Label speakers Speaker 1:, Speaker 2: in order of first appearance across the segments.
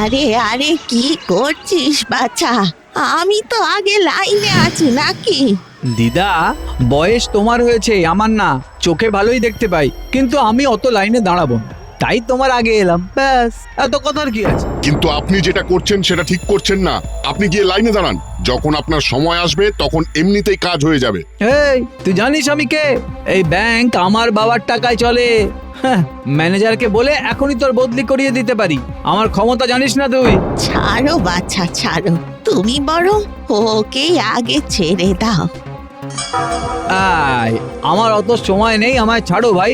Speaker 1: আরে আরে কি করছিস বাছা? আমি তো আগে লাইনে আছি নাকি?
Speaker 2: দিদা, বয়স তোমার হয়েছে, আমার না। চোখে ভালোই দেখতে পাই, কিন্তু আমি অত লাইনে দাঁড়াবো না। তাই তোমার আগে এলাম, ব্যাস। এত কথার কি আছে?
Speaker 3: কিন্তু আপনি যেটা করছেন সেটা ঠিক করছেন না। আপনি গিয়ে লাইনে দাঁড়ান, যখন আপনার সময় আসবে তখন এমনিতেই কাজ হয়ে যাবে।
Speaker 2: এই, তুই জানিস আমি কে? এই ব্যাংক আমার বাবার টাকায় চলে। হ্যাঁ, ম্যানেজারকে বলে এখনই তোর বদলি করিয়ে দিতে পারি। আমার ক্ষমতা জানিস না তুই?
Speaker 1: ছাড়ো বাছা ছাড়ো, তুমি বরং ওকে আগে ছেড়ে দাও।
Speaker 2: আয়, আমার অত সময় নেই, আমায় ছাড়ো ভাই।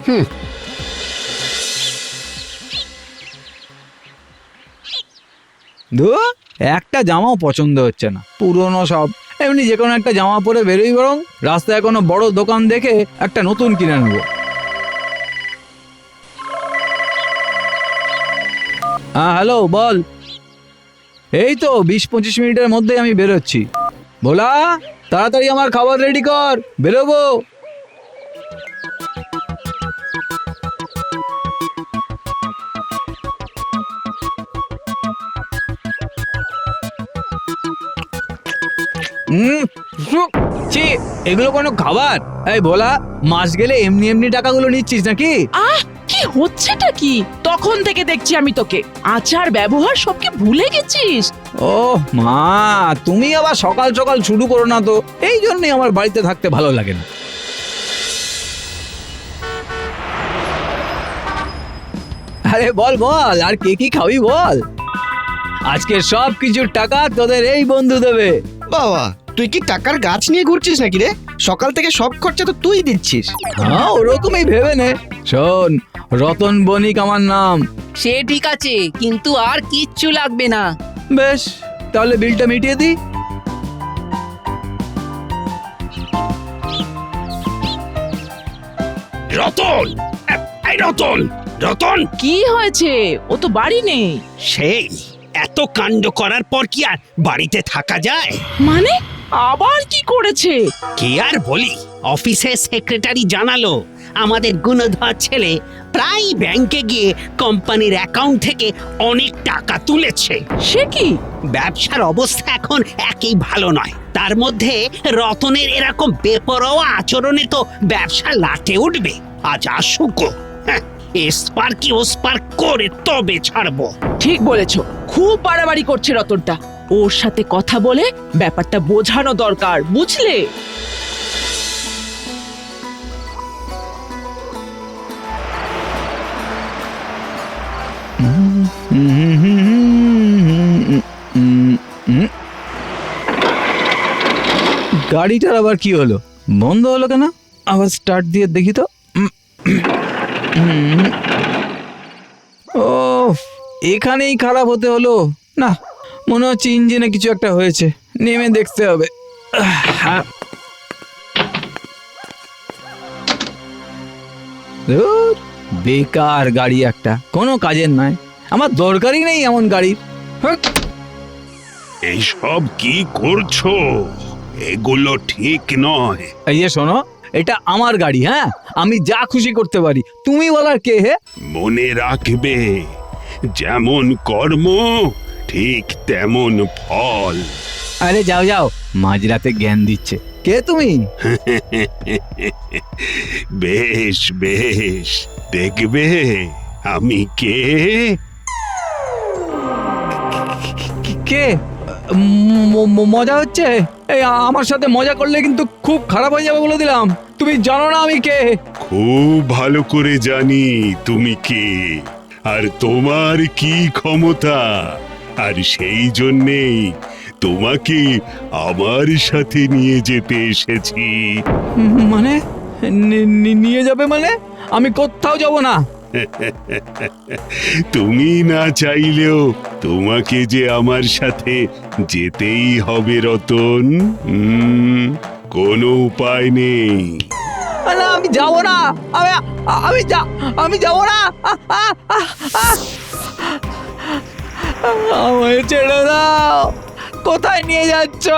Speaker 2: ধুর, একটা জামাও পছন্দ হচ্ছে না, পুরনো সব। এমনি যে কোনো একটা জামা পরে বেরোই, বরং রাস্তায় কোনো বড় দোকান দেখে একটা নতুন কিনে নেবো। হ্যাঁ, হ্যালো, বল। এই তো 20-25 মিনিটের মধ্যেই আমি বেরোচ্ছি। ভোলা, তাড়াতাড়ি আমার খাবার রেডি কর, বেরোবো। ছি, এগুলো কোনো খাবার? এই ভোলা, মাস গেলে এমনি এমনি টাকাগুলো নিচ্ছিস নাকি?
Speaker 4: আহ, কি হচ্ছেটা কি? তখন থেকে দেখছি আমি তোকে, আচার ব্যবহার সবকে ভুলে গেছিস।
Speaker 2: ও মা, তুমি আবার সকাল সকাল শুরু করো না তো। এই জন্যই আমার বাড়িতে থাকতে ভালো লাগে না। আরে বল বল, আর কে কি খাবি বল। আজকে সব কিছুর টাকা তোদের এই বন্ধু দেবে।
Speaker 5: বাবা, তুই কি টাকার গাছ নিয়ে ঘুরছিস নাকি রে? সকাল থেকে সব খরচা তো তুই দিচ্ছিস।
Speaker 2: হ্যাঁ, ওরকমই ভেবে নে। শোন, রতন বণিক আমার নাম।
Speaker 6: সে ঠিক আছে, কিন্তু আর কিচ্ছু লাগবে না।
Speaker 2: বেশ, তাহলে বিলটা মিটিয়ে দি।
Speaker 7: রতন, এই রতন, রতন,
Speaker 4: কি হয়েছে? ও তো বাড়ি নেই।
Speaker 7: সেই এত কাণ্ড করার পর কি আর বাড়িতে থাকা যায়?
Speaker 4: মানে আবার কি করেছে?
Speaker 7: কি আর বলি, অফিসের সেক্রেটারি জানালো আমাদের গুণধর ছেলে প্রায় ব্যাংকে গিয়ে কোম্পানির অ্যাকাউন্ট থেকে অনেক টাকা তুলেছে।
Speaker 4: সে কি?
Speaker 7: ব্যবসার অবস্থা এখন একই ভালো নয়, তার মধ্যে রতনের এরকম বেপরোয়া আচরণে তো ব্যবসা লাটে উঠবে। আজ আসুক, হ্যাঁ, এসপার কি ওসপার করে তবে ছাড়বো।
Speaker 4: ঠিক বলেছো, খুব বাড়াবাড়ি করছে রতনটা। ওর সাথে কথা বলে ব্যাপারটা বোঝানো দরকার, বুঝলে?
Speaker 2: গাড়িটার আবার কি হলো? বন্ধ হলো কেন? আবার স্টার্ট দিয়ে দেখি তো। ও, এখানেই খারাপ হতে হলো না। মনে হচ্ছে ইঞ্জিনে কিছু একটা হয়েছে, নেমে দেখতে হবে। ধুর, বেকার গাড়ি একটা, কোনো কাজের নয়। আমার দরকারই নেই এমন গাড়ির। হ্যাঁ।
Speaker 7: এইসব কি করছো? এগুলো ঠিক নয়।
Speaker 2: এই যে শোনো, এটা আমার গাড়ি। হ্যাঁ, আমি যা খুশি করতে পারি। তুমি বলার কে? হে,
Speaker 7: মনে রাখবে, যেমন কর্ম ঠিক তেমন ফল।
Speaker 2: আরে যাও যাও, মাঝরাতে জ্ঞান দিচ্ছে। কে তুমি?
Speaker 7: বেশ বেশ, দেখবে আমি কে।
Speaker 2: কে? মজা হচ্ছে? এই, আমার সাথে মজা করলে কিন্তু খুব খারাপ হয়ে যাবে বলে দিলাম। তুমি জানো না আমি কে?
Speaker 7: খুব ভালো করে জানি তুমি কে, আর তোমার কি ক্ষমতা, আর সেই জন্যেই তোমাকে আমার সাথে নিয়ে যেতে এসেছি।
Speaker 2: মানে নিয়ে যাবে মানে? আমি কোথাও যাব না।
Speaker 7: তুমি না চাইলেও তোমাকে যে আমার সাথে যেতেই হবে রতন। কোনো উপায় নেই।
Speaker 2: না, আমি যাব না। আমি যাব না। আমায় ছেড়ে দাও। কোথায় নিয়ে যাচ্ছ?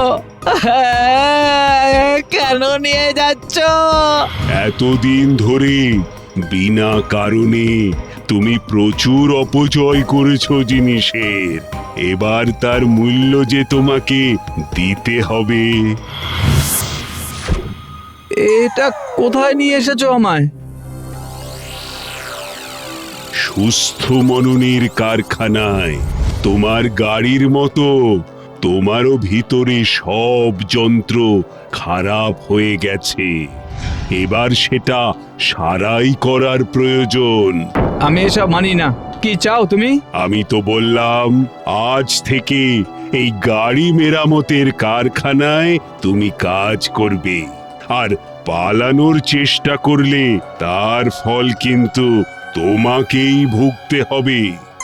Speaker 2: কেন নিয়ে যাচ্ছ?
Speaker 7: এতদিন ধরে বিনা কারণে
Speaker 8: তুমি প্রচুর অপচয় করেছো জিনিসের, এবার তার মূল্য যে তোমাকে দিতে হবে।
Speaker 2: এটা কোথায় নিয়ে এসেছো আমায়?
Speaker 8: সুস্থ মননের কারখানায়। তোমার গাড়ির মতো তোমারও ভিতরে সব যন্ত্র খারাপ হয়ে গেছে, এবার সেটা সারাই করার প্রয়োজন।
Speaker 2: আমি এসব মানি না। কি চাও তুমি?
Speaker 8: আমি তো বললাম আজ থেকে এই গাড়ি মেরামতের কারখানায় তুমি কাজ করবে, আর পালানোর চেষ্টা করলে তার ফল কিন্তু তোমাকেই ভুগতে হবে।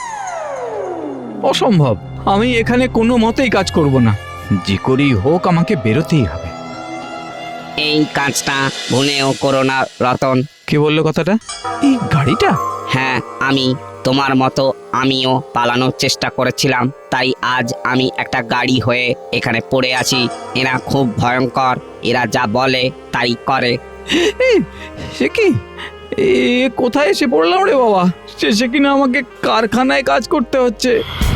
Speaker 2: অসম্ভব, আমি এখানে কোনো মতেই কাজ করব না। যে করেই হোক আমাকে বেরোতেই হবে।
Speaker 6: এই কাজটা ভুলেও করো না রতন।
Speaker 2: কে বললো কথাটা? এই গাড়িটা?
Speaker 6: হ্যাঁ, আমি তোমার মতো আমিও পালানোর চেষ্টা করেছিলাম, তাই আজ আমি একটা গাড়ি হয়ে এখানে পড়ে আছি। এরা খুব ভয়ঙ্কর, এরা যা বলে তাই করে।
Speaker 2: সে কি? এ কোথায় এসে পড়লাম রে বাবা? শেষে কিনা আমাকে কারখানায় কাজ করতে হচ্ছে।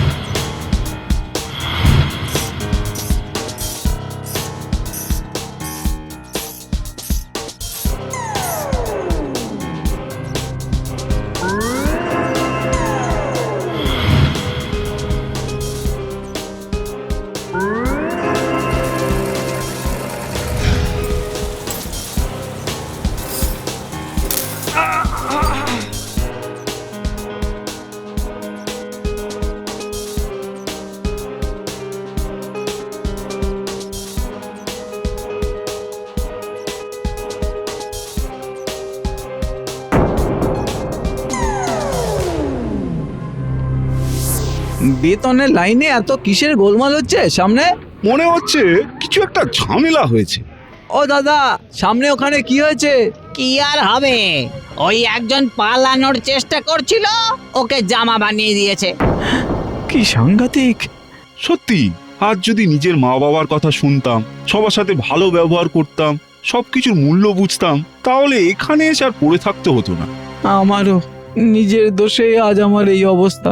Speaker 2: বেতনের লাইনে এত কিসের গোলমাল হচ্ছে সামনে?
Speaker 9: মনে হচ্ছে কিছু একটা ঝামেলা হয়েছে।
Speaker 2: ও দাদা, সামনে ওখানে কি হয়েছে?
Speaker 6: কি আর হবে, ওই একজন পালানোর চেষ্টা করছিল, ওকে জামা বানিয়ে দিয়েছে।
Speaker 2: কি সাংঘাতিক!
Speaker 9: সত্যি, আজ যদি নিজের মা বাবার কথা শুনতাম, সবার সাথে ভালো ব্যবহার করতাম, সবকিছুর মূল্য বুঝতাম, তাহলে এখানে এসে আর পড়ে থাকতে হতো না।
Speaker 2: আমারও নিজের দোষে আজ আমার এই অবস্থা।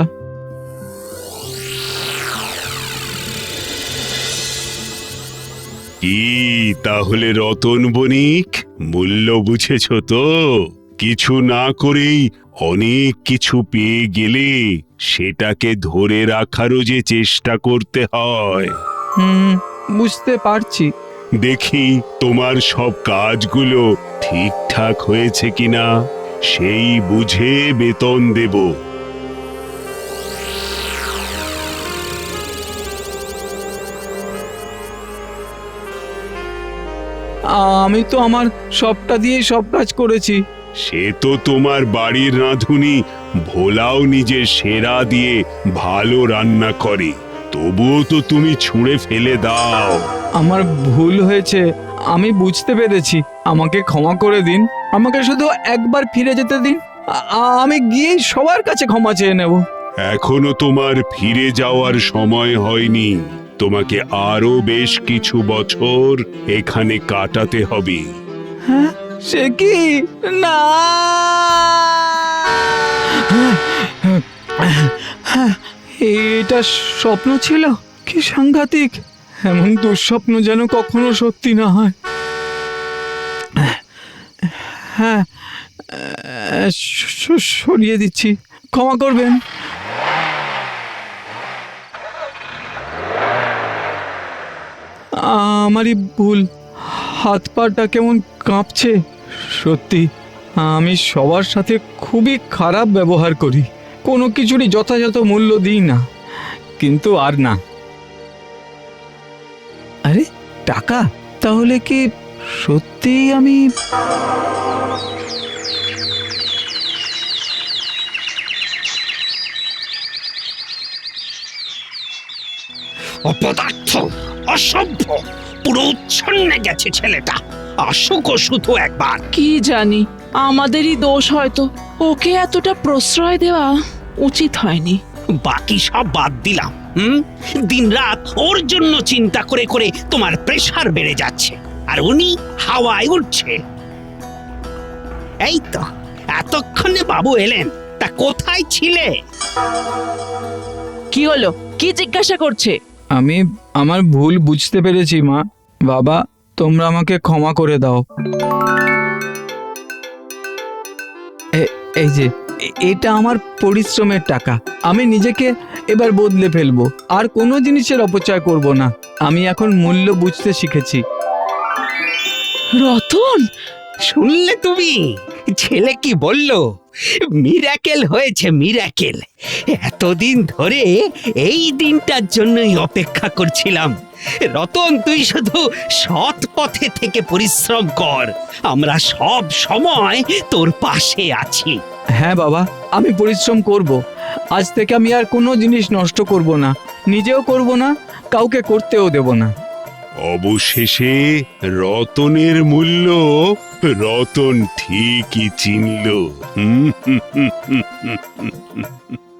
Speaker 8: কি তাহলে রতন বণিক, মূল্য বুঝেছ তো? কিছু না করেই অনেক কিছু পেয়ে গেলে সেটাকে ধরে রাখারও যে চেষ্টা করতে হয়।
Speaker 2: বুঝতে পারছি।
Speaker 8: দেখি তোমার সব কাজগুলো ঠিকঠাক হয়েছে কিনা, সেই বুঝে বেতন দেব।
Speaker 2: আমি তো আমার সবটা দিয়েই সব কাজ করেছি।
Speaker 8: সে তো তোমার বাড়ির রাঁধুনি ভোলাও নিজের সেরা দিয়ে ভালো রান্না করে, তবুও তো তুমি ছুঁড়ে ফেলে দাও।
Speaker 2: আমার ভুল হয়েছে, আমি বুঝতে পেরেছি। আমাকে ক্ষমা করে দিন। আমাকে শুধু একবার ফিরে যেতে দিন। আমি গিয়ে সবার কাছে ক্ষমা চেয়ে নেব।
Speaker 8: এখনো তোমার ফিরে যাওয়ার সময় হয়নি, তোমাকে আরো বেশ কিছু বছর এখানে কাটাতে হবে।
Speaker 2: হ্যাঁ, সে কি? না, এটা স্বপ্ন ছিল? কি সাংঘাতিক! এমন দুঃস্বপ্ন যেন কখনো সত্যি না হয়। হ্যাঁ, সরিয়ে দিচ্ছি, ক্ষমা করবেন। আমারই ভুল, হাত পাটা কেমন কাঁপছে। সত্যি, আমি সবার সাথে খুবই খারাপ ব্যবহার করি, কোনো কিছুরই যথাযথ মূল্য দিই না। কিন্তু আর না। আরে টাকা, তাহলে কি সত্যি আমি?
Speaker 7: অপদার্থ, অসভ্য, পুরো উচ্ছন্নে গেছে ছেলেটা। আসুক শুধু একবার।
Speaker 4: কি জানি, আমাদেরই দোষ হয়তো, ওকে এতটা প্রশ্রয় দেওয়া উচিত হয়নি।
Speaker 7: বাকি সব বাদ দিলাম। দিনরাত ওর জন্য চিন্তা করে করে তোমার প্রেসার বেড়ে যাচ্ছে, আর উনি হাওয়ায় উঠছে। এই তো এতক্ষণে বাবু এলেন, তা কোথায় ছিলে?
Speaker 4: কি হলো, কি জিজ্ঞাসা করছে?
Speaker 2: আমি আমার ভুল বুঝতে পেরেছি মা। বাবা, তোমরা আমাকে ক্ষমা করে দাও। এই যে এটা আমার পরিশ্রমের টাকা। আমি নিজেকে এবার বদলে ফেলবো, আর কোনো জিনিসের অপচয় করব না। আমি এখন মূল্য বুঝতে শিখেছি।
Speaker 4: রতন,
Speaker 7: শুনলে তুমি? ছেলে কি বললো? মিরাকেল হয়েছে, মিরাকেল। এতদিন ধরে এই দিনটার জন্যই অপেক্ষা করছিলাম। রতন, তুই শুধু সৎ পথে থেকে পরিশ্রম কর, আমরা সব সময় তোর পাশে আছি।
Speaker 2: হ্যাঁ বাবা, আমি পরিশ্রম করব। আজ থেকে আমি আর কোনো জিনিস নষ্ট করব না, নিজেও করব না, কাউকে করতেও দেব না।
Speaker 8: অবশেষে রতনের মূল্য রতন ঠিকই চিনল।